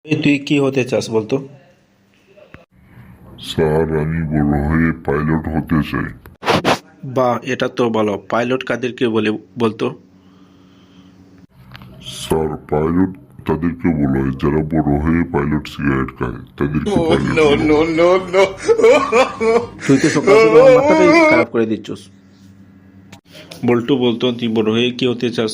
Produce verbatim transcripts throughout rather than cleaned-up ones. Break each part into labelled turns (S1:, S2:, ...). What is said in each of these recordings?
S1: এই তুই কি হতে চাস বলতো?
S2: স্যার, আমি বড় হয়ে পাইলট হতে চাই।
S1: বাহ, এটা তো ভালো। পাইলট কাদেরকে বলে বলতো?
S2: স্যার, পাইলট তাদেরকে বলা হয় যারা বড় হয়ে পাইলট সিগারেট খায়, তাদেরকে পাইলট বলা হয়।
S1: তুই তো সকাল থেকে আমার মাথাটাই খারাপ করে দিচ্ছস। বল্টু বলতো তুই বড় হয়ে কি হতে চাস?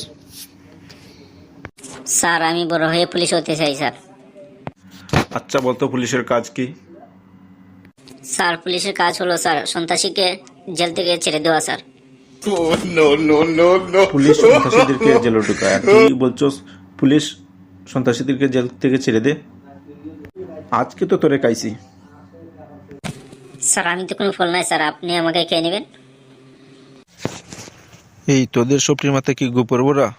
S3: স্যার, আমি বড় হয়ে পুলিশ হতে চাই স্যার।
S1: আচ্ছা বলতো, পুলিশের কাজ কি?
S3: স্যার, পুলিশের কাজ হলো স্যার সন্ত্রাসীকে জেল থেকে ছেড়ে দেওয়া স্যার।
S1: পুলিশ সন্ত্রাসীদেরকে জেলে ঢুকায়, আর তুই বলছস পুলিশ সন্ত্রাসীদেরকে জেল থেকে ছেড়ে দে? আজকে তো তোরে কাইছি।
S3: স্যার, আমি তো কোনো ফল নাই স্যার, আপনি আমাকে খেয়ে নেবেন।
S1: এই তোদের সবটির মাথায় কি গোপর বড়া?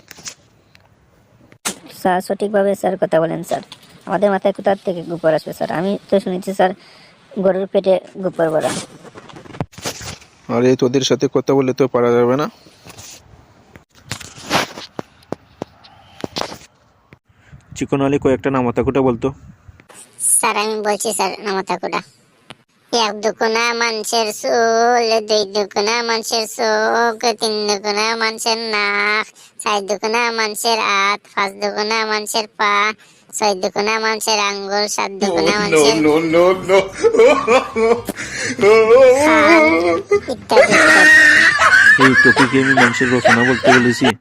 S3: স্যার, সঠিকভাবে স্যার কথা বলেন স্যার। আমাদের মাথায় কোথা থেকে গোবর আসবে স্যার? আমি তো শুনেছি স্যার গরুর পেটে গোবর ভরা।
S1: আরে তোদের সাথে কথা বলে তো পারা যাবে না। চিকন আলী কয়েকটা নামাতাকুটা বলতো।
S4: স্যার, আমি বলছি স্যার নামাতাকুড়া। এক দুকুনা মানুষের চুল, দুই দুকুনা মানুষের চোখ, তিন দুকুনা মানুষের নাক, চার দুকুনা মানুষের হাত, পাঁচ দুকুনা মানুষের পা, ছয় দুকুনা মানুষের আঙ্গুল, সাত দুকুনা মানুষের খাল, ইত্যাদি ইত্যাদি।
S1: এই তোকে কি আমি মানুষের রচনা বলতে বলেছি?